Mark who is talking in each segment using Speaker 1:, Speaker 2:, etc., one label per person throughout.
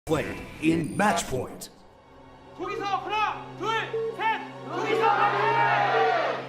Speaker 1: played in match point.
Speaker 2: 거기서 하나, 둘, 셋. 거기서 화이팅!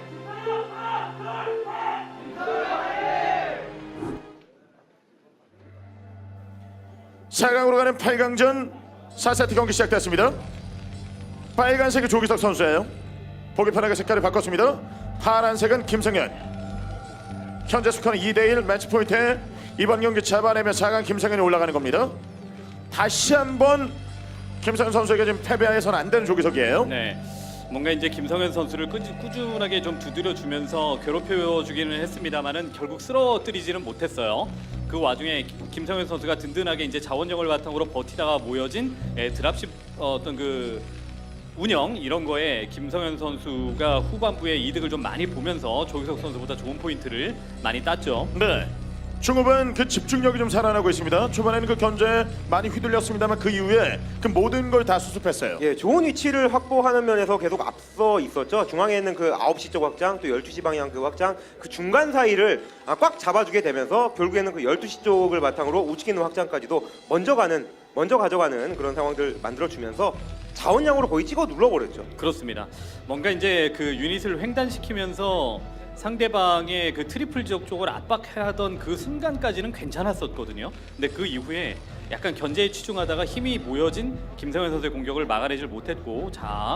Speaker 3: 4강으로 가는 8강전 4세트 경기 시작됐습니다. 빨간색이 조기석 선수예요. 보기 편하게 색깔을 바꿨습니다. 파란색은 김성현. 현재 스코어는 2대1 매치 포인트에 이번 경기 잡아내면 4강 김성현이 올라가는 겁니다. 다시 한번 김성현 선수에게 지금 패배해서는 안 되는 조기석이에요.
Speaker 4: 네, 뭔가 이제 김성현 선수를 꾸준하게 좀 두드려주면서 괴롭혀주기는 했습니다만은 결국 쓰러뜨리지는 못했어요. 그 와중에 김성현 선수가 든든하게 이제 자원력을 바탕으로 버티다가 모여진 드랍십 어떤 그 운영 이런 거에 김성현 선수가 후반부에 이득을 좀 많이 보면서 조기석 선수보다 좋은 포인트를 많이 땄죠.
Speaker 3: 네. 중후반 그 집중력이 좀 살아나고 있습니다. 초반에는 그 견제에 많이 휘둘렸습니다만 그 이후에 그 모든 걸 다 수습했어요.
Speaker 5: 예, 좋은 위치를 확보하는 면에서 계속 앞서 있었죠. 중앙에 있는 그 9시 쪽 확장, 또 12시 방향 그 확장, 그 중간 사이를 꽉 잡아주게 되면서 결국에는 그 12시 쪽을 바탕으로 우측에 있는 확장까지도 먼저 가져가는 그런 상황들 만들어주면서 자원량으로 거의 찍어 눌러버렸죠.
Speaker 4: 그렇습니다. 뭔가 이제 그 유닛을 횡단시키면서 상대방의 그 트리플 지역 쪽을 압박하던 그 순간까지는 괜찮았었거든요. 근데 그 이후에 약간 견제에 치중하다가 힘이 모여진 김성현 선수의 공격을 막아내질 못했고, 자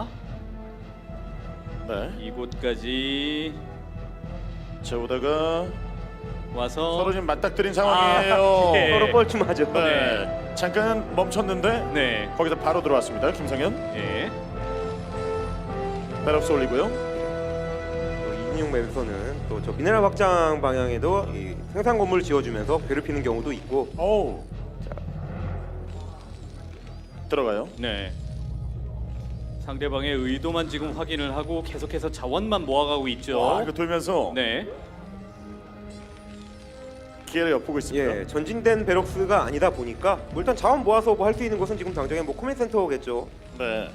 Speaker 3: 네.
Speaker 4: 이곳까지
Speaker 3: 자 오다가
Speaker 4: 와서
Speaker 3: 서로 지금 맞닥뜨린 상황이에요.
Speaker 4: 예.
Speaker 5: 서로 뻘쭘하죠.
Speaker 3: 네. 잠깐 멈췄는데
Speaker 4: 네,
Speaker 3: 거기서 바로 들어왔습니다. 김성현.
Speaker 4: 예,
Speaker 3: 배럭스 올리고요.
Speaker 5: 2인용 맵에서는 또 저 미네랄 확장 방향에도 이 생산 건물 지어주면서 괴롭히는 경우도 있고.
Speaker 3: 오. 들어가요.
Speaker 4: 네. 상대방의 의도만 지금 확인을 하고 계속해서 자원만 모아가고 있죠.
Speaker 3: 와, 이거 돌면서
Speaker 4: 네.
Speaker 3: 기회를 엿보고 있습니다.
Speaker 5: 예, 전진된 베럭스가 아니다 보니까 뭐 일단 자원 모아서 뭐 할 수 있는 것은 지금 당장에 뭐 코멘 센터겠죠.
Speaker 3: 네.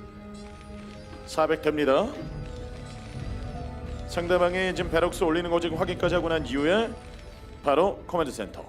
Speaker 3: 400 됩니다. 상대방이 지금 베럭스 올리는 거 지금 확인까지 하고 난 이후에 바로 커맨드 센터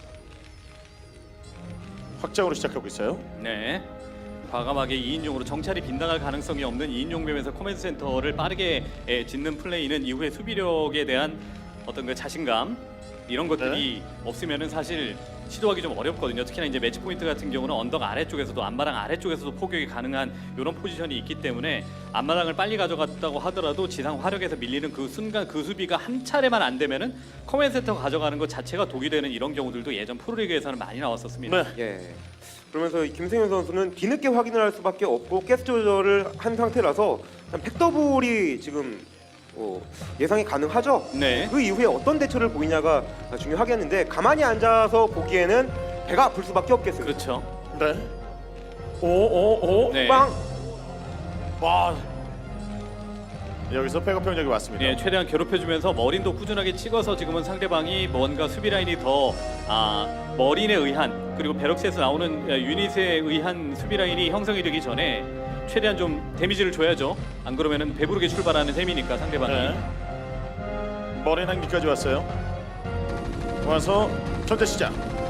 Speaker 3: 확장으로 시작하고 있어요.
Speaker 4: 네. 과감하게 2인용으로 정찰이 빗나갈 가능성이 없는 2인용 맵에서 코맨드 센터를 빠르게 짓는 플레이는 이후에 수비력에 대한 어떤 그 자신감 이런 것들이 없으면은 사실 시도하기 좀 어렵거든요. 특히나 이제 매치 포인트 같은 경우는 언덕 아래쪽에서도 앞마당 아래쪽에서도 포격이 가능한 이런 포지션이 있기 때문에 앞마당을 빨리 가져갔다고 하더라도 지상 화력에서 밀리는 그 순간 그 수비가 한 차례만 안 되면은 커맨드 센터 가져가는 것 자체가 독이 되는 이런 경우들도 예전 프로리그에서는 많이 나왔었습니다.
Speaker 3: 네.
Speaker 5: 예. 그러면서 이 김승현 선수는 뒤늦게 확인을 할 수밖에 없고 가스 조절을 한 상태라서 팩더블이 지금 예상이 가능하죠.
Speaker 4: 네.
Speaker 5: 그 이후에 어떤 대처를 보이냐가 중요하겠는데 가만히 앉아서 보기에는 배가 아플 수밖에 없겠어요.
Speaker 4: 그렇죠.
Speaker 3: 네. 오오오.
Speaker 4: 네.
Speaker 5: 빵!
Speaker 3: 와. 여기서 백업 병력이 왔습니다.
Speaker 4: 예, 최대한 괴롭혀주면서 머린도 꾸준하게 찍어서 지금은 상대방이 뭔가 수비 라인이 더 머린에 의한 그리고 베럭스에서 나오는 유닛에 의한 수비 라인이 형성이 되기 전에 최대한 좀 데미지를 줘야죠. 안 그러면은 배부르게 출발하는 셈이니까 상대방이.
Speaker 3: 네. 머린 한기까지 왔어요. 와서 전체 시작.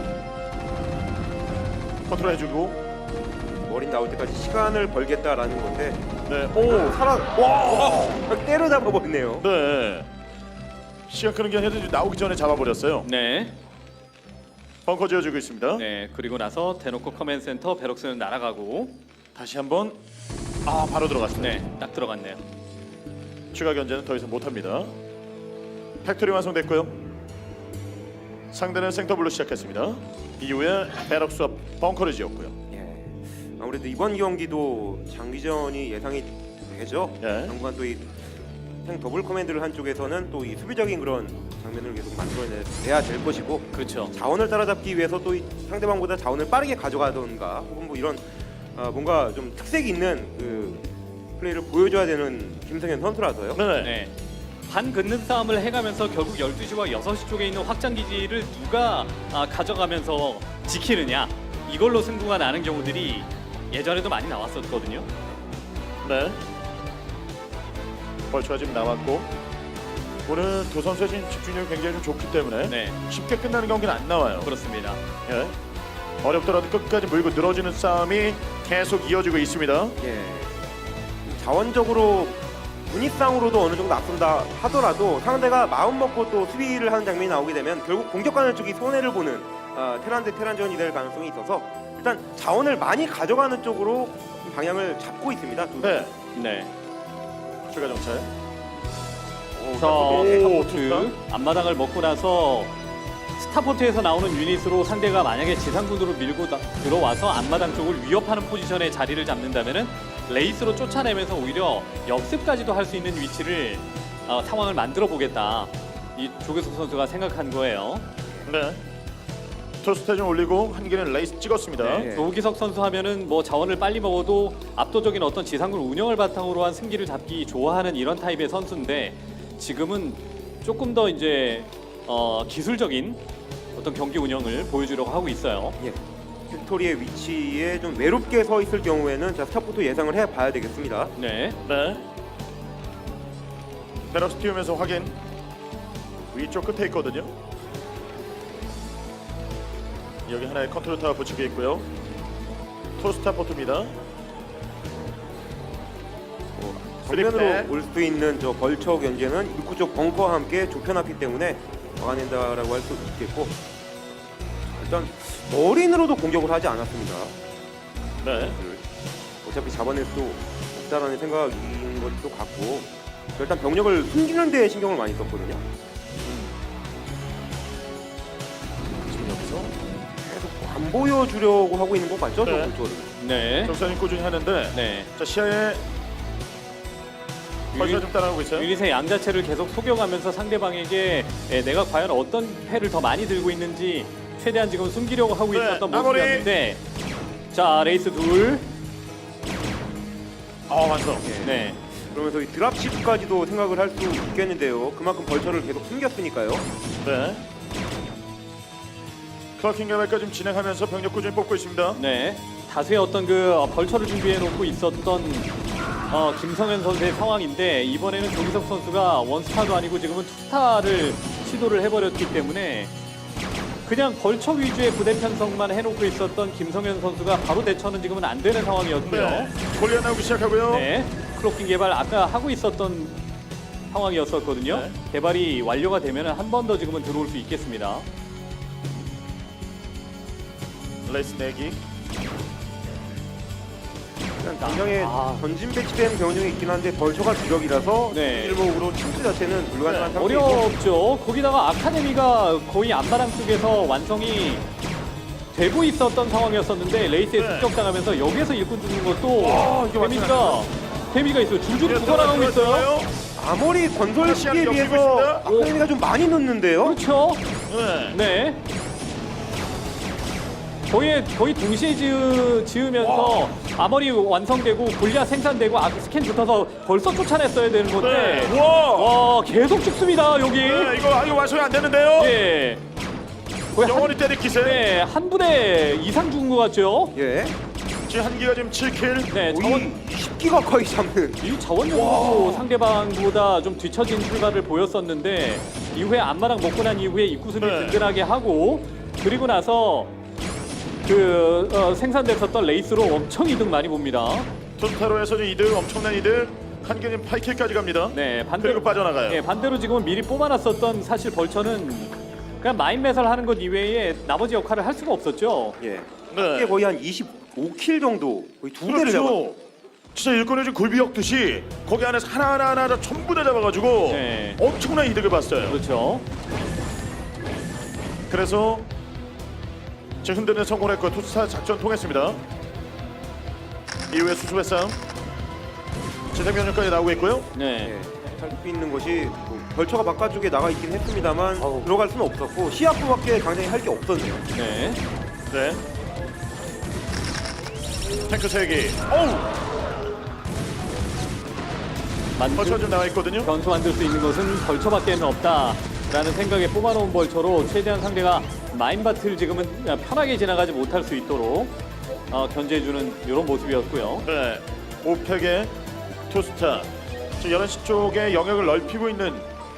Speaker 3: 컨트롤 해주고.
Speaker 5: 머린 나올 때까지 시간을 벌겠다라는 건데
Speaker 3: 네. 오.
Speaker 5: 와! 때려잡아 버리네요.
Speaker 3: 네. 시간 끄는 게 아니라 나오기 전에 잡아버렸어요.
Speaker 4: 네.
Speaker 3: 벙커 지어주고 있습니다.
Speaker 4: 네. 그리고 나서 대놓고 커맨드 센터 베럭스는 날아가고.
Speaker 3: 다시 한번 바로 들어갔습니다.
Speaker 4: 네. 딱 들어갔네요.
Speaker 3: 추가 견제는 더 이상 못합니다. 팩토리 완성됐고요. 상대는 생터블로 시작했습니다. 이후에 베럭스와 벙커를 지었고요.
Speaker 5: 예. 아무래도 이번 경기도 장기전이 예상이 되죠.
Speaker 3: 예.
Speaker 5: 당분간 또 이 더블 커맨드를 한 쪽에서는 또 이 수비적인 그런 장면을 계속 만들어내야 될 것이고
Speaker 4: 그렇죠.
Speaker 5: 자원을 따라잡기 위해서 또 이 상대방보다 자원을 빠르게 가져가던가 혹은 뭐 이런 뭔가 좀 특색 있는 그 플레이를 보여줘야 되는 김성현 선수라서요.
Speaker 3: 네.
Speaker 4: 네. 반 긋는 싸움을 해가면서 결국 12시와 6시 쪽에 있는 확장 기지를 누가 가져가면서 지키느냐 이걸로 승부가 나는 경우들이 예전에도 많이 나왔었거든요.
Speaker 3: 네. 벌초가 지금 나왔고 오늘 두 선수의 지금 집중력이 굉장히 좀 좋기 때문에
Speaker 4: 네,
Speaker 3: 쉽게 끝나는 경기는 안 나와요.
Speaker 4: 그렇습니다.
Speaker 3: 예. 어렵더라도 끝까지 물고 늘어지는 싸움이 계속 이어지고 있습니다.
Speaker 5: 예. 자원적으로 분위상으로도 어느 정도 앞선다 하더라도 상대가 마음 먹고 또 수비를 하는 장면이 나오게 되면 결국 공격하는 쪽이 손해를 보는 테란 대 테란전이 될 가능성이 있어서 일단 자원을 많이 가져가는 쪽으로 방향을 잡고 있습니다. 두
Speaker 3: 네,
Speaker 4: 네.
Speaker 3: 추가 정찰.
Speaker 4: 자,
Speaker 3: 오,
Speaker 4: 스타포트
Speaker 3: 좋다.
Speaker 4: 앞마당을 먹고 나서 스타포트에서 나오는 유닛으로 상대가 만약에 지상군으로 밀고 들어와서 앞마당 쪽을 위협하는 포지션에 자리를 잡는다면은 레이스로 쫓아내면서 오히려 역습까지도 할 수 있는 위치를 상황을 만들어 보겠다. 이 조계석 선수가 생각한 거예요.
Speaker 3: 네. 토스트 좀 올리고 한 개는 레이스 찍었습니다.
Speaker 5: 네.
Speaker 4: 조기석 선수 하면은 뭐 자원을 빨리 먹어도 압도적인 어떤 지상군 운영을 바탕으로 한 승기를 잡기 좋아하는 이런 타입의 선수인데 지금은 조금 더 이제 기술적인 어떤 경기 운영을 보여주려고 하고 있어요.
Speaker 5: 예. 팩토리의 위치에 좀 외롭게 서 있을 경우에는 자, 스타포트 예상을 해봐야 되겠습니다.
Speaker 4: 네.
Speaker 3: 네. 베럭스 띄우면서 확인. 위쪽 끝에 있거든요. 여기 하나의 컨트롤 타워 붙이고 있고요. 토스타포트입니다.
Speaker 5: 정면으로
Speaker 3: 스리백.
Speaker 5: 올 수 있는 저 벌처 견제는 입구 쪽 벙커와 함께 좁혀놨기 때문에 막아낸다라고 할 수 있겠고 일단 머린으로도 공격을 하지 않았습니다.
Speaker 3: 네.
Speaker 5: 어차피 잡아낼 수 없다라는 생각인 것도 같고 일단 병력을 숨기는 데 신경을 많이 썼거든요.
Speaker 3: 지금 여기서
Speaker 5: 계속 안 보여주려고 하고 있는 것 같죠? 저
Speaker 3: 네.
Speaker 5: 볼처를.
Speaker 4: 네.
Speaker 3: 정사님 꾸준히 하는데
Speaker 4: 네.
Speaker 3: 자 시야에 벌써 좀 따라가고 있어요.
Speaker 4: 유닛의 양 자체를 계속 속여가면서 상대방에게 내가 과연 어떤 패를 더 많이 들고 있는지 최대한 지금 숨기려고 하고
Speaker 3: 네,
Speaker 4: 있었던
Speaker 3: 마무리.
Speaker 4: 모습이었는데 자 레이스 둘.
Speaker 3: 완성.
Speaker 4: 네.
Speaker 5: 그러면서 이 드랍십까지도 생각을 할 수 있겠는데요. 그만큼 벌처를 계속 숨겼으니까요.
Speaker 3: 네. 클러킹 개발까지 좀 진행하면서 병력 꾸준히 뽑고 있습니다.
Speaker 4: 네. 다수의 어떤 그 벌처를 준비해 놓고 있었던 김성현 선수의 상황인데 이번에는 조기석 선수가 원스타도 아니고 지금은 투스타를 시도를 해버렸기 때문에 그냥 벌처 위주의 부대 편성만 해놓고 있었던 김성현 선수가 바로 대처는 지금은 안 되는 상황이었고요.
Speaker 3: 네. 골리앗 나오기 시작하고요.
Speaker 4: 네. 클로킹 개발 아까 하고 있었던 상황이었었거든요.
Speaker 3: 네.
Speaker 4: 개발이 완료가 되면 한 번 더 지금은 들어올 수 있겠습니다.
Speaker 3: 레이스 내기.
Speaker 5: 일단 굉장히
Speaker 4: 아.
Speaker 5: 전진 배치된 병력이 있긴 한데 벌처가 주력이라서
Speaker 4: 네.
Speaker 5: 일목으로 침투 자체는 불가능한
Speaker 3: 네.
Speaker 5: 상태이고
Speaker 4: 어렵죠. 거기다가 아카데미가 거의 앞마당 쪽에서 완성이 되고 있었던 상황이었었는데 레이스에
Speaker 3: 네.
Speaker 4: 습격당하면서 여기에서 일꾼 주는 것도
Speaker 3: 이게
Speaker 4: 데미가 있어요. 줄줄이 붙어나가고 있어요.
Speaker 5: 아무리 건설 시기에
Speaker 3: 시간이
Speaker 5: 비해서
Speaker 3: 엮이고
Speaker 5: 아카데미가 좀 많이 넣는데요.
Speaker 4: 그렇죠.
Speaker 3: 네.
Speaker 4: 네. 거의 동시에 지으면서 아머리 완성되고 골리앗 생산되고 스캔 붙어서 벌써 쫓아냈어야 되는 건데
Speaker 3: 네. 와.
Speaker 4: 와 계속 죽습니다 여기.
Speaker 3: 네, 이거 완성이 안 되는데요.
Speaker 4: 예. 거의
Speaker 3: 영원히 때릴 기세.
Speaker 4: 네, 한 부대 이상 죽은 것 같죠?
Speaker 5: 예.
Speaker 3: 지금 한기가 지금 7킬.
Speaker 4: 네,
Speaker 5: 거의 10기 가까이 잡는.
Speaker 4: 이 자원력으로 상대방보다 좀 뒤처진 출발을 보였었는데 이후에 앞마당 먹고 난 이후에 입구 수비
Speaker 3: 네.
Speaker 4: 든든하게 하고 그리고 나서 생산됐었던 레이스로 엄청 이득 많이 봅니다.
Speaker 3: 투스타로에서 좀 이득 엄청난 이득. 한기 지금 8킬까지 갑니다.
Speaker 4: 네,
Speaker 3: 그리고 빠져나가요.
Speaker 4: 네, 반대로 지금은 미리 뽑아놨었던 사실 벌처는 그냥 마인 매설 하는 것 이외에 나머지 역할을 할 수가 없었죠.
Speaker 5: 예.
Speaker 3: 네.
Speaker 5: 이게 거의 한 25킬 정도, 거의 두 대를 잡았.
Speaker 3: 그렇죠. 진짜 일꾼을 좀 굴비 엮듯이 거기 안에서 하나 전부 다 잡아가지고
Speaker 4: 네.
Speaker 3: 엄청난 이득을 봤어요.
Speaker 4: 그렇죠.
Speaker 3: 그래서 지금 흔드는 성공했고 투스타 작전 통했습니다. 이후에 수습의 싸움. 재생면역까지 나오고 있고요.
Speaker 4: 네.
Speaker 5: 예. 살수 있는 것이 뭐 벌처가 바깥쪽에 나가 있긴 했습니다만 들어갈 수는 없었고 시야프밖에 당장히 할 게 없었네요.
Speaker 4: 네.
Speaker 3: 네. 탱크 3개. 어우! 벌써 좀 나와 있거든요.
Speaker 4: 변수 만들 수 있는 것은 벌처밖에는 없다라는 생각에 뽑아놓은 벌처로 최대한 상대가 마인밭을 지금은 편하게 지나가지 못할 수 있도록 견제해주는 이런 모습이었고요.
Speaker 3: 네. 오펙의 투스타. 지금 11시 쪽에 영역을 넓히고 있는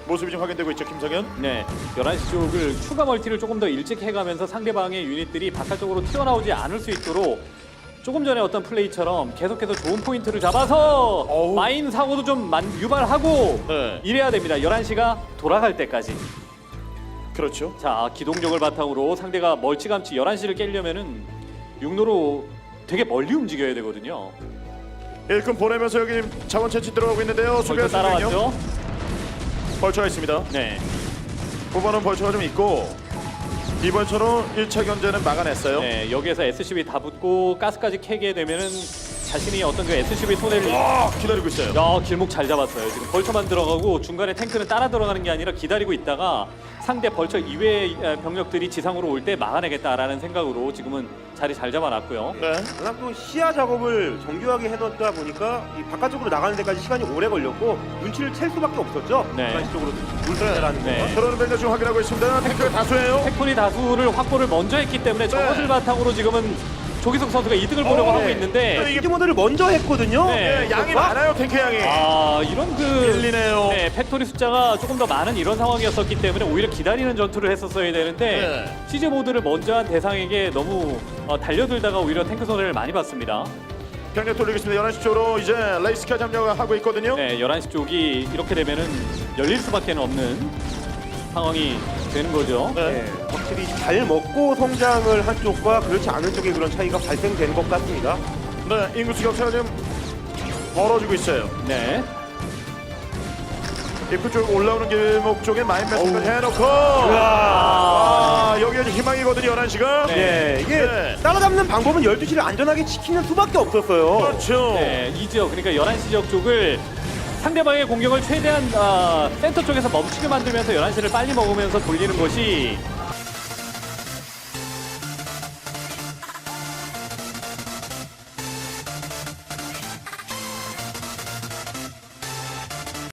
Speaker 3: 모습이 좀 확인되고 있죠, 김성현.
Speaker 4: 네, 11시 쪽을 추가 멀티를 조금 더 일찍 해가면서 상대방의 유닛들이 바깥쪽으로 튀어나오지 않을 수 있도록 조금 전에 어떤 플레이처럼 계속해서 좋은 포인트를 잡아서
Speaker 3: 어우.
Speaker 4: 마인 사고도 좀 유발하고
Speaker 3: 네.
Speaker 4: 이래야 됩니다. 11시가 돌아갈 때까지.
Speaker 3: 그렇죠.
Speaker 4: 자, 기동력을 바탕으로 상대가 멀찌감치 11시를 깨려면은 육로로 되게 멀리 움직여야 되거든요.
Speaker 3: 일꾼 보내면서 여기 자원 채취 들어가고 있는데요.
Speaker 4: 벌써
Speaker 3: 수비할
Speaker 4: 따라왔죠?
Speaker 3: 벌처가 있습니다.
Speaker 4: 네.
Speaker 3: 후보는 벌처가 좀 있고 이 벌처로 1차 견제는 막아냈어요.
Speaker 4: 네, 여기에서 SCB 다 붙고 가스까지 캐게 되면은 자신이 어떤 그 SCB 손해를
Speaker 3: 기다리고 있어요.
Speaker 4: 야, 길목 잘 잡았어요. 지금 벌처만 들어가고 중간에 탱크는 따라 들어가는 게 아니라 기다리고 있다가 상대 벌처 이외의 병력들이 지상으로 올 때 막아내겠다라는 생각으로 지금은 자리 잘 잡아놨고요.
Speaker 3: 네.
Speaker 5: 워낙 또 시야 작업을 정교하게 해놓다 보니까 이 바깥쪽으로 나가는 데까지 시간이 오래 걸렸고 눈치를 챌 수밖에 없었죠.
Speaker 4: 네.
Speaker 5: 중간 쪽으로 물들어라는
Speaker 4: 네.
Speaker 5: 거.
Speaker 3: 들어오는 벨저 지금 확인하고 있습니다. 탱크가 다수예요.
Speaker 4: 팩토리 다수를 확보를 먼저 했기 때문에 저것을 바탕으로 지금은 조기석 선수가 이득을 보려고 하고
Speaker 5: 네.
Speaker 4: 있는데
Speaker 5: 이제 모드를 먼저 했거든요.
Speaker 4: 네.
Speaker 3: 네, 양이 많아요, 탱크 양이.
Speaker 4: 이런 그
Speaker 3: 밀리네요.
Speaker 4: 네, 팩토리 숫자가 조금 더 많은 이런 상황이었었기 때문에 오히려 기다리는 전투를 했었어야 되는데
Speaker 3: 네.
Speaker 4: 시즈 모드를 먼저 한 대상에게 너무 달려들다가 오히려 탱크 손해를 많이 봤습니다.
Speaker 3: 병력 돌리겠습니다. 11시 쪽으로 이제 레이스카 점령하고 있거든요.
Speaker 4: 네, 11시 쪽이 이렇게 되면은 열릴 수밖에 없는 상황이 되는 거죠.
Speaker 3: 네.
Speaker 5: 네, 확실히 잘 먹고 성장을 한 쪽과 그렇지 않은 쪽의 그런 차이가 발생된 것 같습니다.
Speaker 3: 네, 인구수 격차가 좀 벌어지고 있어요.
Speaker 4: 네.
Speaker 3: 입구 쪽 올라오는 길목 쪽에 마인 매스까지 해놓고 여기가 이제 희망이거든요, 11시가.
Speaker 5: 네, 이게
Speaker 3: 네.
Speaker 5: 따라잡는 방법은 12시를 안전하게 지키는 수밖에 없었어요.
Speaker 3: 그렇죠.
Speaker 4: 네, 이 지역 그러니까 11시 지역 쪽을 상대방의 공격을 최대한 센터 쪽에서 멈추게 만들면서 11시를 빨리 먹으면서 돌리는 것이